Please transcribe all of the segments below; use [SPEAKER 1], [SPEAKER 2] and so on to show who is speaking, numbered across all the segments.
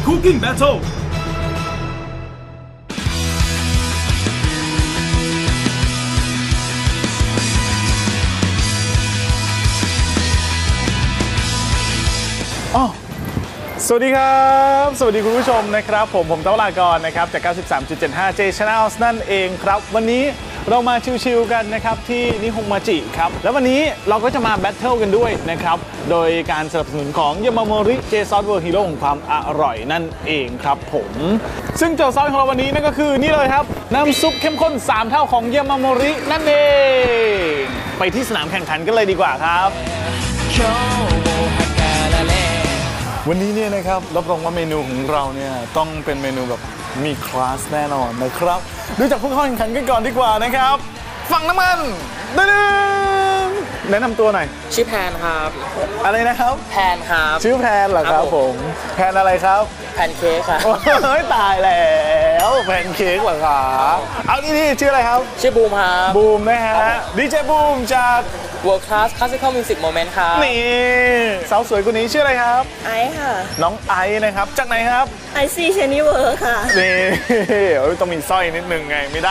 [SPEAKER 1] Cooking Battleสวัสดีครับสวัสดีคุณผู้ชมนะครับผมเต้าลากรนะครับจาก 93.75 J Channels นั่นเองครับวันนี้เรามาชิลๆกันนะครับที่นิฮงมาจิครับแล้ววันนี้เราก็จะมาแบทเทิลกันด้วยนะครับโดยการสนับสนุนของยามาโมริเจซอสเวอร์ฮีโร่ของความอร่อยนั่นเองครับผมซึ่งโจทย์ซอสของเราวันนี้นั่นก็คือนี่เลยครับน้ำซุปเข้มข้น3เท่าของยามาโมรินั่นเองไปที่สนามแข่งขันกันเลยดีกว่าครับวันนี้เนี่ยนะครับรับรองว่าเมนูของเราเนี่ยต้องเป็นเมนูแบบมีคลาสแน่นอนนะครับดูจากผู้เข้าแข่งขันกันก่อนดีกว่านะครับฝั่งน้ำมันดึงแนะนำตัวหน่อย
[SPEAKER 2] ชื่อแพนครับ
[SPEAKER 1] อะไรนะครับ
[SPEAKER 2] แพนครับ
[SPEAKER 1] ชื่อแพนเหรอครับผมแพนอะไรครับ
[SPEAKER 2] แพนเค้กครับ
[SPEAKER 1] เฮ้ยตายแล้วแพนเค้กเหรอครับเอานี่ชื่ออะไรครับ
[SPEAKER 2] ชื่อบูมครับ
[SPEAKER 1] บูมนะฮะดีเจบูมจาก
[SPEAKER 2] World Class Classical Music Moment ครับ
[SPEAKER 1] นี่สาวสวยคนนี้ชื่ออะไรครับ
[SPEAKER 3] ไอค่ะ
[SPEAKER 1] น้องไอนะครับจากไหนครับ
[SPEAKER 3] ไอซีเชนิเวอร์ค่ะ
[SPEAKER 1] นี่ต้องมีสร้อยนิดนึงไงไม่ได้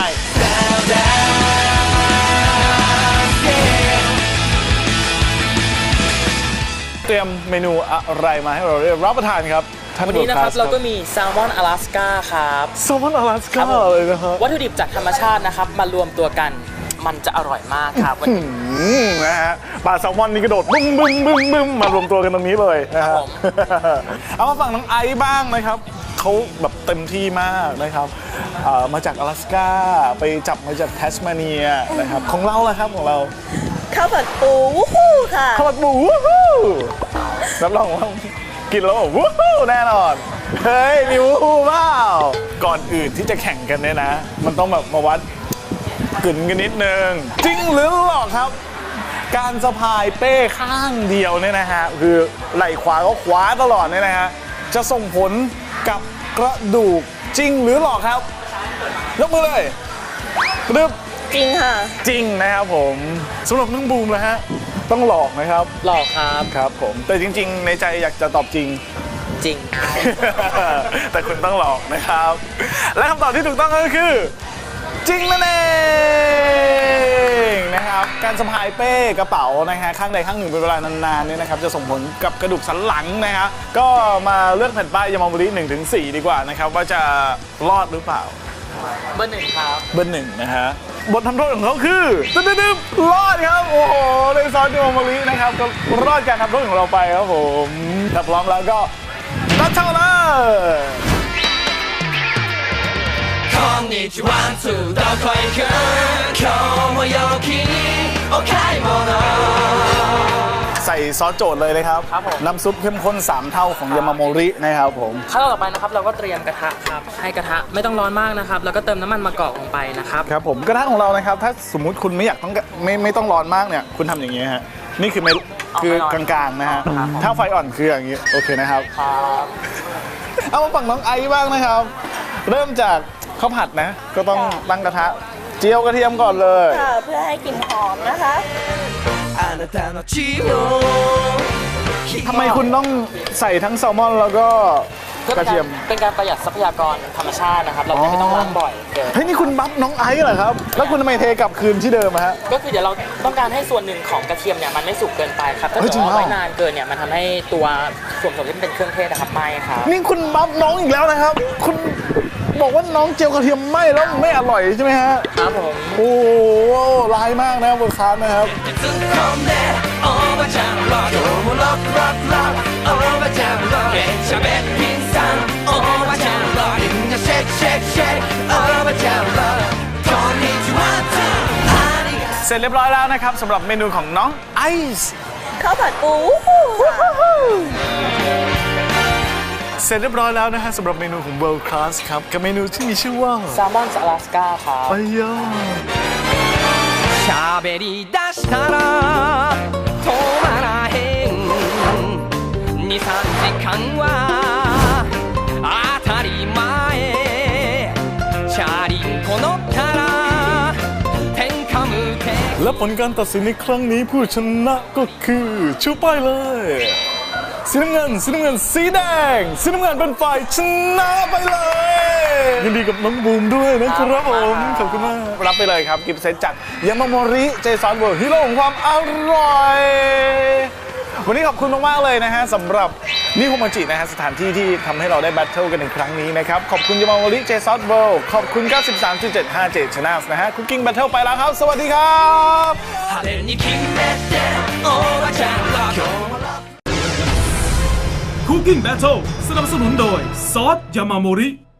[SPEAKER 1] เตรียมเมนูอะไรมาให้เราได้รับประทานครับ
[SPEAKER 2] วันนี้นะครับเราก็มีแซลมอนอลาสก้าครับ
[SPEAKER 1] แซลมอนอลาสก้าเลยนะฮะ
[SPEAKER 2] วัตถุดิบจากธรรมชาตินะครับมารวมตัวกันมันจะอร่อยมากครับวัน
[SPEAKER 1] นี้นะฮะปลาแซลมอนนี่กระโดดบึ้มมารวมตัวกันตรงนี้เลยนะฮะเอามาฝั่งน้องไอซ์บ้างนะครับเขาแบบเต็มที่มากนะครับมาจากอลาสก้าไปจับมาจากแทสมาเนียนะครับของเราล่ะครับของเรา
[SPEAKER 3] ข้าวผัดปูวู้ฮู้ค่ะ
[SPEAKER 1] ข้าวผัดปูวู้ฮู้รับรองว่ากินแล้ววู้ฮู้แน่นอนเฮ้ยมีวู้ฮู้เปล่าก่อนอื่นที่จะแข่งกันเนี่ยนะมันต้องแบบมาวัดกึ่นกันนิดนึงจริงหรือหลอกครับการสะพายเป้ข้างเดียวเนี่ยนะฮะคือไหล่ขวาก็ขวาตลอดเนี่ยนะฮะจะส่งผลกับกระดูกจริงหรือหลอกครับยกมือเลยรึบ
[SPEAKER 3] จริงค่ะ
[SPEAKER 1] จริงนะครับผมสำหรับน้องบูมนะฮะต้องหลอกนะครับ
[SPEAKER 2] หลอกครับ
[SPEAKER 1] ครับผมแต่จริงๆในใจอยากจะตอบจริง
[SPEAKER 2] จริง
[SPEAKER 1] แต่คุณต้องหลอกนะครับและคำตอบที่ถูกต้องก็คือจริงนั่นเองนะครับการสะพายเป้กระเป๋านะฮะข้างใดข้างหนึ่งเป็นเวลานานๆเนี่ยนะครับจะส่งผลกับกระดูกสันหลังนะฮะก็มาเลือกแผ่นป้ายยามาโมริ 1-4 ดีกว่านะครับว่าจะรอดหรือเปล่า
[SPEAKER 2] เบอร์ 1ครับ
[SPEAKER 1] เบอร์ 1นะฮะบททำโทษของเขาคือตึ๊บรอดครับโอ้โหในซอสยามาโมรินะครับก็รอดการทำโทษของเราไปครับผมถ้าพร้อมแล้วก็รับเท่าเลยこんにちはどこ行く今日も陽気にお買い物ใส่ซอสโจทย์เลยนะครับน้ำซุปเข้มข้น3เท่าของยามาโมรินะครับผม
[SPEAKER 2] ขั้นตอนต่อไปนะครับเราก็เตรียมกระทะครับให้กระทะไม่ต้องร้อนมากนะครับแล้วก็เติมน้ำมันมะกอกลงไปนะครับ
[SPEAKER 1] ครับผมกระทะของเรานะครับถ้าสมมุติคุณไม่อยากต้องไม่ต้องร้อนมากเนี่ยคุณทำอย่างนี้ฮะนี่คือไม่คือกลางๆนะฮะถ้าไฟอ่อนคืออย่างนี้โอเคนะครับเอามาฝั่งน้องไอซ์บ้างนะครับเริ่มจากข้าวผัดนะก็ต้องตั้งกระทะเจียวกระเทียมก่อนเลย
[SPEAKER 3] เพื่อให้กลิ่นหอมนะคะ
[SPEAKER 1] ทำไมคุณต้องใส่ทั้งแซลมอนแล้วก็กระเทียม
[SPEAKER 2] เป็นการประหยัดทรัพยากรธรรมชาตินะครับเราไม่ต้องล้างบ่อย
[SPEAKER 1] เฮ้ยนี่คุณบัฟน้องไอซ์เหรอครับแล้วคุณทำไมเทกลับคืนที่เดิมฮะ
[SPEAKER 2] ก็คือเดี๋ยวเราต้องการให้ส่วนหนึ่งของกระเทียมเนี่ยมันไม่สุกเกินไปครับถ้าเกิดว่าไว้นานเกินเนี่ยมันทำให้ตัวส่วนผสมที่เป็นเครื่องเทศนะครับไหม้ครับ
[SPEAKER 1] นี่คุณบัฟน้องอีกแล้วนะครับคุณบอกว่าน้องเจียวกระเทียมไหม้แล้วไม่อร่อยใช่ไหมฮะ
[SPEAKER 2] ครับผม
[SPEAKER 1] โอ้ร้ายมากนะบนคาร์นะครับเสร็จเรียบร้อยแล้วนะครับสำหรับเมนูของน้องไอซ์
[SPEAKER 3] ข้าวผัดปู
[SPEAKER 1] เสร็จเรียบร้อยแล้วนะฮะสำหรับเมนูของ World Class ครับกับเมนูที่มีชื่อว่า
[SPEAKER 2] แซลมอนอลาสก้าครับ
[SPEAKER 1] อ้ย
[SPEAKER 4] しゃべり出したら止まらへん2、3時間は当たり前チャリンコ乗ったら天下無敵
[SPEAKER 1] และผลการตัดสินในครั้งนี้ผู้ชนะก็คือชูป้ายเลยสีน้ำเงินสีแดงสีน้ำเงินเป็นฝ่ายชนะไปเลยยินดีกับน้องบูมด้วยนะครับผมขอบคุณมากรับไปเลยครับกิฟต์เซตจากยามาโมริเจสันเวิร์ฮีโร่ของความอร่อยวันนี้ขอบคุณมากๆเลยนะฮะสำหรับนิโฮมาจินะฮะสถานที่ที่ทำให้เราได้แบทเทิลกันในครั้งนี้นะครับขอบคุณยามาโมริเจสันเวิร์ขอบคุณ 93.75 J Channel นะฮะคุกกิ้งแบทเทิลไปแล้วครับสวัสดีครับ
[SPEAKER 4] 派手に決めておばちゃんは今日も
[SPEAKER 5] Cooking Battle สนับสนุนโดยซอสยามาโมริ